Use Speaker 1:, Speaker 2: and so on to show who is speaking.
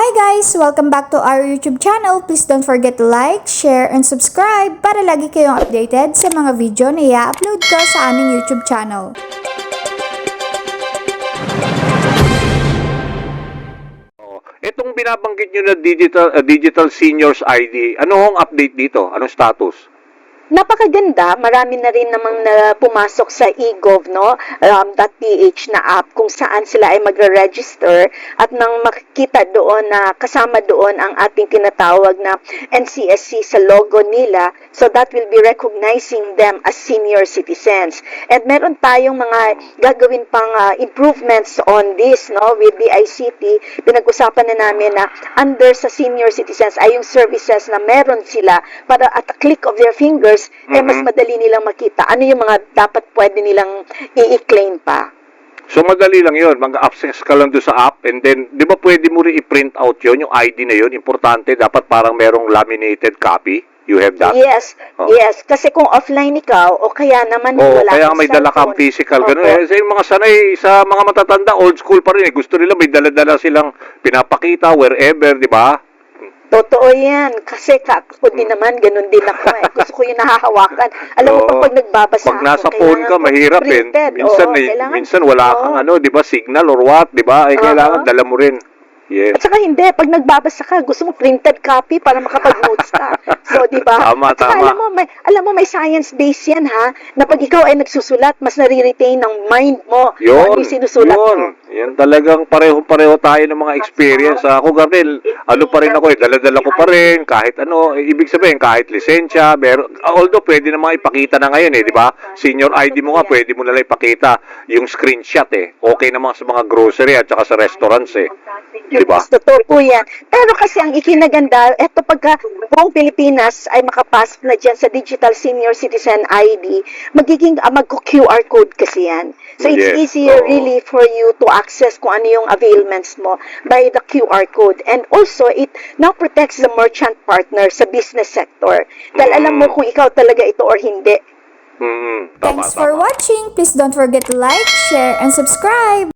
Speaker 1: Hi guys! Welcome back to our YouTube channel. Please don't forget to like, share, and subscribe para lagi kayong updated sa mga video na i-upload ko sa aming YouTube channel.
Speaker 2: Itong binabanggit nyo na digital seniors ID, ano hong update dito? Anong status?
Speaker 3: Napakaganda, marami na rin namang na pumasok sa eGov, no? .ph na app kung saan sila ay magre-register at nang makikita doon na kasama doon ang ating tinatawag na NCSC sa logo nila, so that will be recognizing them as senior citizens. And meron tayong mga gagawin pang improvements on this, no? With the ICT, pinag-usapan na namin na under sa senior citizens ay yung services na meron sila para at a click of their fingers mas madali nilang makita ano yung mga dapat pwede nilang i-claim pa.
Speaker 2: So madali lang yun, mag-access ka lang doon sa app and then, di ba pwede mo rin i-print out yun, yung ID na yun, importante, dapat parang merong laminated copy, you have that?
Speaker 3: Yes, yes, kasi kung offline ikaw, o kaya naman wala
Speaker 2: kaya may dala kang physical, gano'n. Sa yung mga sanay, sa mga matatanda, old school pa rin, gusto nila may dala-dala silang pinapakita wherever, di ba?
Speaker 3: Totoo yan. Kasi ako din naman, ganun din ako. Gusto ko yung nahahawakan. Alam mo, pag nagbabasa
Speaker 2: pag nasa phone ka, mahirap eh. Minsan wala kang di ba, signal or what, di ba? Kailangan dala mo rin. Yes.
Speaker 3: At saka hindi, pag nagbabasa ka, gusto mo printed copy para makapag-notes ka. So, di ba?
Speaker 2: Tama, tama.
Speaker 3: Alam mo, may science base yan, ha? Na pag ikaw ay nagsusulat, mas nare-retain ng mind mo
Speaker 2: yun,
Speaker 3: ano yung sinusulat mo.
Speaker 2: Yan talagang pareho-pareho tayo ng mga experience. Ako ganun, pa rin ako dala-dala ko pa rin, kahit ibig sabihin, kahit lisensya, although pwede namang ipakita na ngayon di ba? Senior ID mo nga, pwede mo nalang ipakita yung screenshot Okay naman sa mga grocery at saka sa restaurants Diba?
Speaker 3: Totoo po yan. Pero kasi ang ikinaganda, eto pagka buong Pilipinas ay makapasok na dyan sa Digital Senior Citizen ID, magiging mag-QR code kasi yan. So it's easier really for you to access kung ano yung availments mo by the QR code. And also, it now protects the merchant partner sa business sector. Dahil alam mo kung ikaw talaga ito or hindi.
Speaker 1: Thanks for watching. Please don't forget to like, share, and subscribe.